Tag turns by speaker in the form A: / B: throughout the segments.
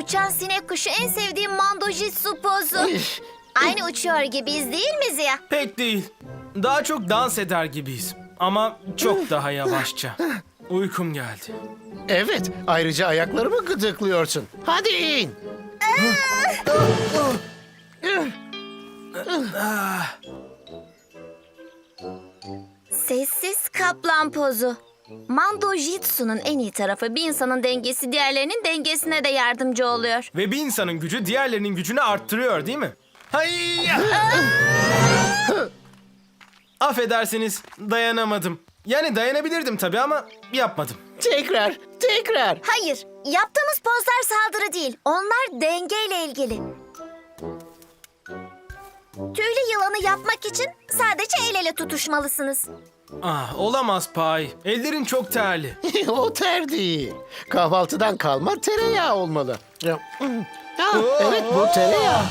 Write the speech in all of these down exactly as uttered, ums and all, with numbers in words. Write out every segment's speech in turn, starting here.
A: uçan sinek kuşu en sevdiğim mandojitsu pozu. Aynı uçuyor gibiyiz değil mi Ziya?
B: Pek değil. Daha çok dans eder gibiyiz. Ama çok daha yavaşça. Uykum geldi.
C: Evet, ayrıca ayaklarımı gıdıklıyorsun. Hadi in.
A: Sessiz kaplan pozu. Mandojitsu'nun en iyi tarafı bir insanın dengesi diğerlerinin dengesine de yardımcı oluyor.
B: Ve bir insanın gücü diğerlerinin gücünü arttırıyor değil mi? Hayya! Affedersiniz, dayanamadım. Yani dayanabilirdim tabii ama yapmadım.
C: Tekrar, tekrar.
A: Hayır, yaptığımız pozlar saldırı değil. Onlar dengeyle ilgili. Tüylü yılanı yapmak için sadece el ele tutuşmalısınız.
B: Ah, olamaz Pay. Ellerin çok terli.
C: O ter değil. Kahvaltıdan kalma tereyağı olmalı. Ha, evet, bu tereyağı.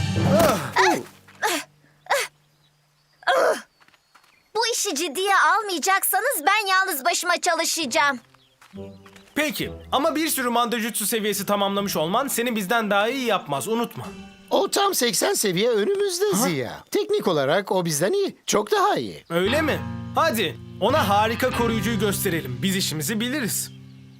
A: Bu işi ciddiye almayacaksanız ben yalnız başıma çalışacağım.
B: Peki ama bir sürü mandojutsu seviyesi tamamlamış olman seni bizden daha iyi yapmaz, unutma.
C: O tam seksen seviye önümüzde Ziya. Teknik olarak o bizden iyi. Çok daha iyi.
B: Öyle mi? Hadi ona harika koruyucuyu gösterelim. Biz işimizi biliriz.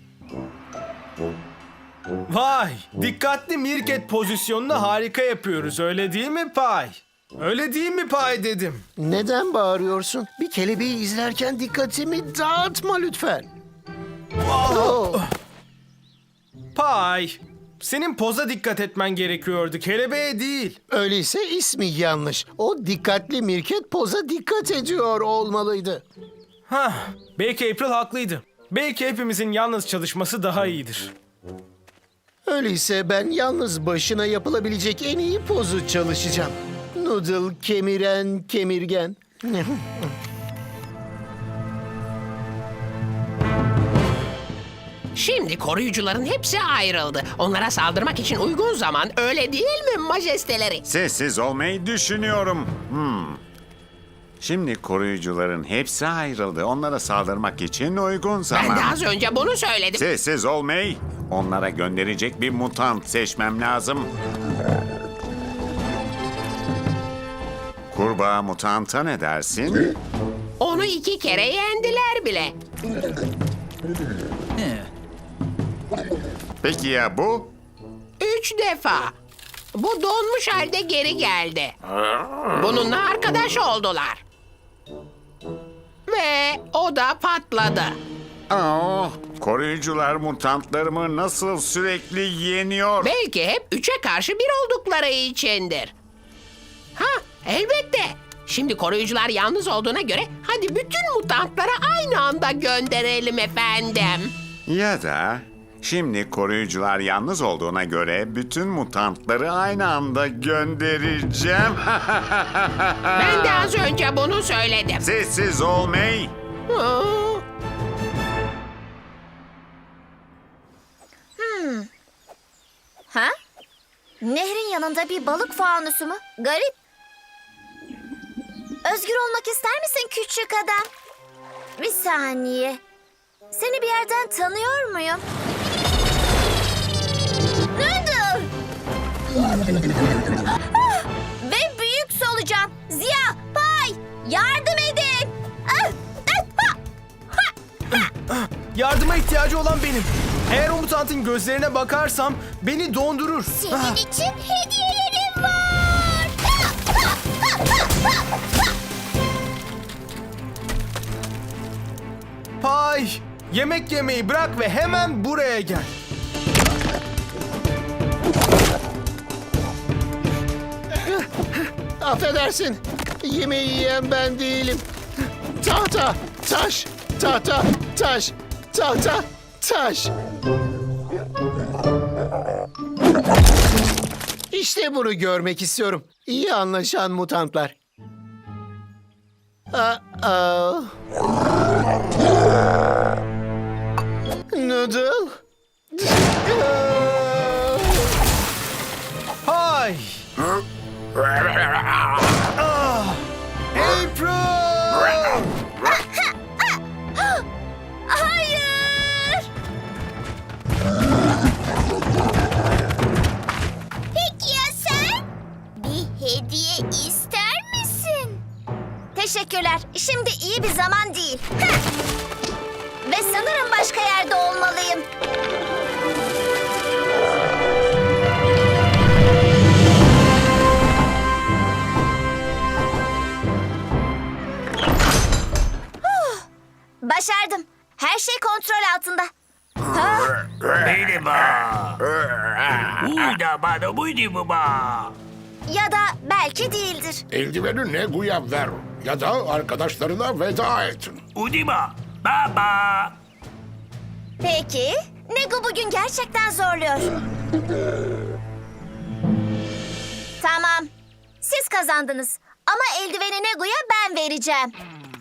B: Vay! Dikkatli mirket pozisyonunu harika yapıyoruz. Öyle değil mi Pay? Öyle değil mi Pay dedim.
C: Neden bağırıyorsun? Bir kelebeği izlerken dikkatimi dağıtma lütfen. Oh.
B: Pay! Senin poza dikkat etmen gerekiyordu. Kelebeğe değil.
C: Öyleyse ismi yanlış. O dikkatli mirket poza dikkat ediyor olmalıydı.
B: Hah, belki April haklıydı. Belki hepimizin yalnız çalışması daha iyidir.
C: Öyleyse ben yalnız başına yapılabilecek en iyi pozu çalışacağım. Noodle kemiren kemirgen.
D: Şimdi koruyucuların hepsi ayrıldı. Onlara saldırmak için uygun zaman, öyle değil mi majesteleri?
E: Sessiz olmayı düşünüyorum. Hmm. Şimdi koruyucuların hepsi ayrıldı. Onlara saldırmak için uygun
D: Ben
E: zaman.
D: de az önce bunu söyledim.
E: Sessiz olmayı. Onlara gönderecek bir mutant seçmem lazım. Kurbağa mutanta ne dersin?
D: Onu iki kere yendiler bile.
E: Peki ya bu?
D: Üç defa. Bu donmuş halde geri geldi. Bununla arkadaş oldular. Ve o da patladı.
E: Oh, koruyucular mutantlarımı nasıl sürekli yeniyor?
D: Belki hep üçe karşı bir oldukları içindir. Ha, elbette. Şimdi koruyucular yalnız olduğuna göre hadi bütün mutantları aynı anda gönderelim efendim.
E: Ya da şimdi koruyucular yalnız olduğuna göre bütün mutantları aynı anda göndereceğim.
D: Ben de az önce bunu söyledim.
E: Sessiz olmayı.
D: Aa,
A: Ha? Nehrin yanında bir balık fanusu mu? Garip. Özgür olmak ister misin küçük adam? Bir saniye. Seni bir yerden tanıyor muyum? Noodle! Ah! Ve büyük solucan. Ziya, Pay, yardım edin. Ah! Ah! Ha!
B: Yardıma ihtiyacı olan benim. Eğer o mutantın gözlerine bakarsam beni dondurur.
A: Senin için hediyelerim var.
B: Pay! Yemek yemeyi bırak ve hemen buraya gel.
C: Affedersin. Yemeği yiyen ben değilim. Tahta, taş, tahta, taş, tahta, taş. İşte bunu görmek istiyorum. İyi anlaşan mutantlar. Aa. Noodle.
B: Pay! Ah! April!
A: Hayır! Şimdi iyi bir zaman değil. Heh. Ve sanırım başka yerde olmalıyım. Huh. Başardım. Her şey kontrol altında. Ha? Ya da belki değildir.
F: Eldiveni Negu'ya ver ya da arkadaşlarına veda et.
A: Peki. Nego bugün gerçekten zorluyor. Tamam. Siz kazandınız. Ama eldiveni Nego'ya ben vereceğim.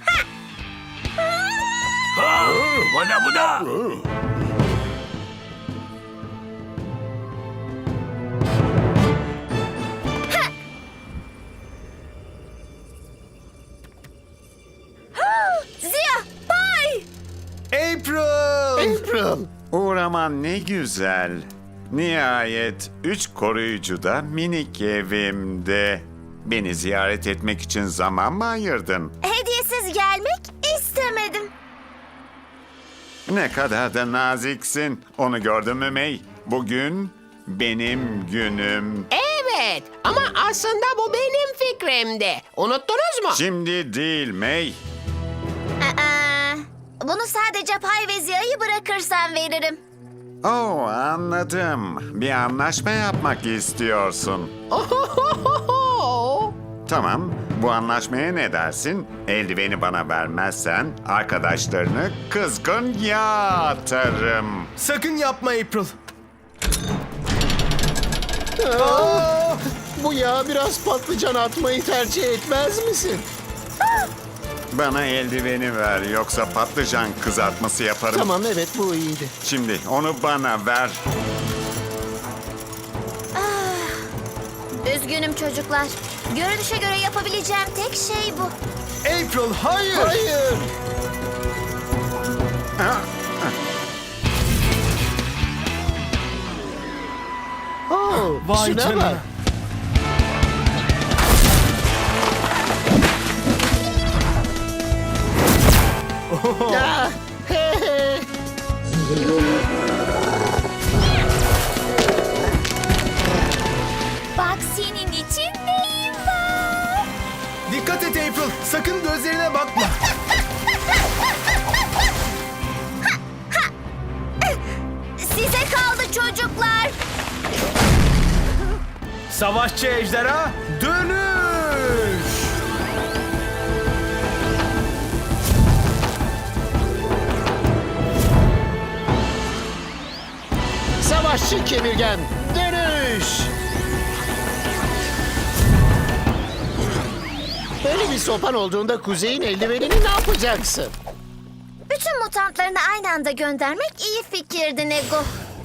A: Ziya, Pay!
B: April!
C: April.
E: Uğraman ne güzel. Nihayet üç koruyucu da minik evimde. Beni ziyaret etmek için zaman mı ayırdın?
A: Hediyesiz gelmek istemedim.
E: Ne kadar da naziksin. Onu gördün mü May? Bugün benim günüm.
D: Evet ama aslında bu benim fikrimdi. Unuttunuz mu?
E: Şimdi değil May.
A: Aa, bunu sadece Pay ve Ziya'yı bırakırsan veririm.
E: Oo, anladım. Bir anlaşma yapmak istiyorsun.
D: Ohohoho!
E: Tamam, bu anlaşmaya ne dersin? Eldiveni bana vermezsen arkadaşlarını kızgın yağ atarım.
B: Sakın yapma April.
C: Aa, bu yağa biraz patlıcan atmayı tercih etmez misin?
E: Bana eldiveni ver yoksa patlıcan kızartması yaparım.
C: Tamam, evet, bu iyiydi.
E: Şimdi onu bana ver.
A: Üzgünüm çocuklar. Görünüşe göre yapabileceğim tek şey bu.
B: April hayır.
C: Hayır. Oh,
B: Vay
C: şuna
B: canına.
C: bak. Ya, he he.
A: Bak senin için neyim var?
B: Dikkat et April. Sakın gözlerine bakma.
A: Size kaldı çocuklar.
B: Savaşçı ejderha dönüş.
C: Savaşçı kemirgen, dönüş! Böyle bir sopan olduğunda kuzeyin eldivenini ne yapacaksın?
A: Bütün mutantlarını aynı anda göndermek iyi fikirdi Nego.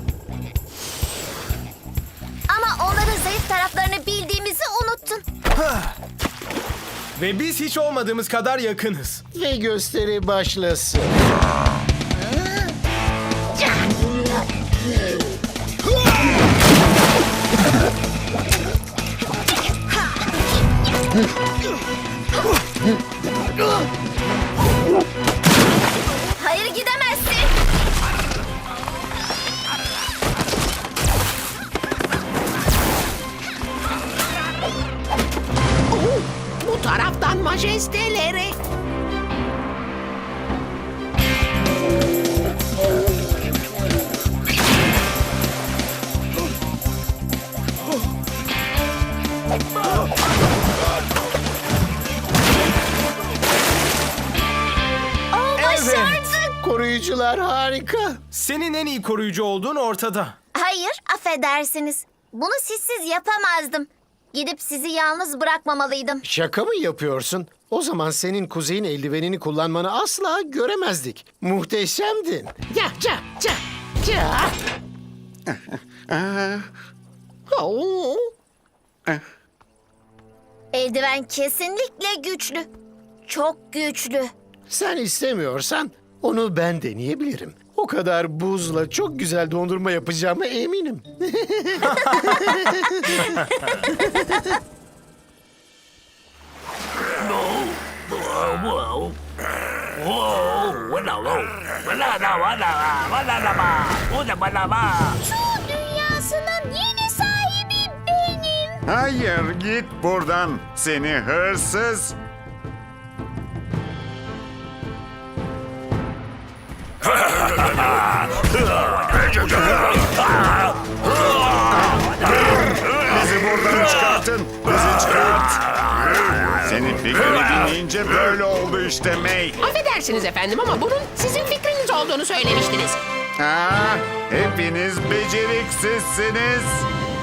A: Ama onların zayıf taraflarını bildiğimizi unuttun.
B: Ve biz hiç olmadığımız kadar yakınız.
C: Ve gösteri başlasın.
A: Hayır gidemezsin.
D: Bu taraftan majesteleri.
A: Oo,
B: Evet.
A: başardık.
C: Koruyucular harika.
B: Senin en iyi koruyucu olduğun ortada.
A: Hayır, affedersiniz. Bunu sizsiz yapamazdım. Gidip sizi yalnız bırakmamalıydım.
C: Şaka mı yapıyorsun? O zaman senin kuzeyin eldivenini kullanmanı asla göremezdik. Muhteşemdin.
D: Ya ya ya ya. Oo.
A: Eldiven kesinlikle güçlü. Çok güçlü.
C: Sen istemiyorsan onu ben deneyebilirim. O kadar buzla çok güzel dondurma yapacağıma eminim.
A: Su dünyasının yeni sahibi benim.
E: Hayır, git buradan seni hırsız. Bizi buradan çıkartın. Bizi çıkart. Senin fikrini dinleyince böyle oldu işte May.
D: Affedersiniz efendim ama bunun sizin fikriniz olduğunu söylemiştiniz.
E: Aa, hepiniz beceriksizsiniz.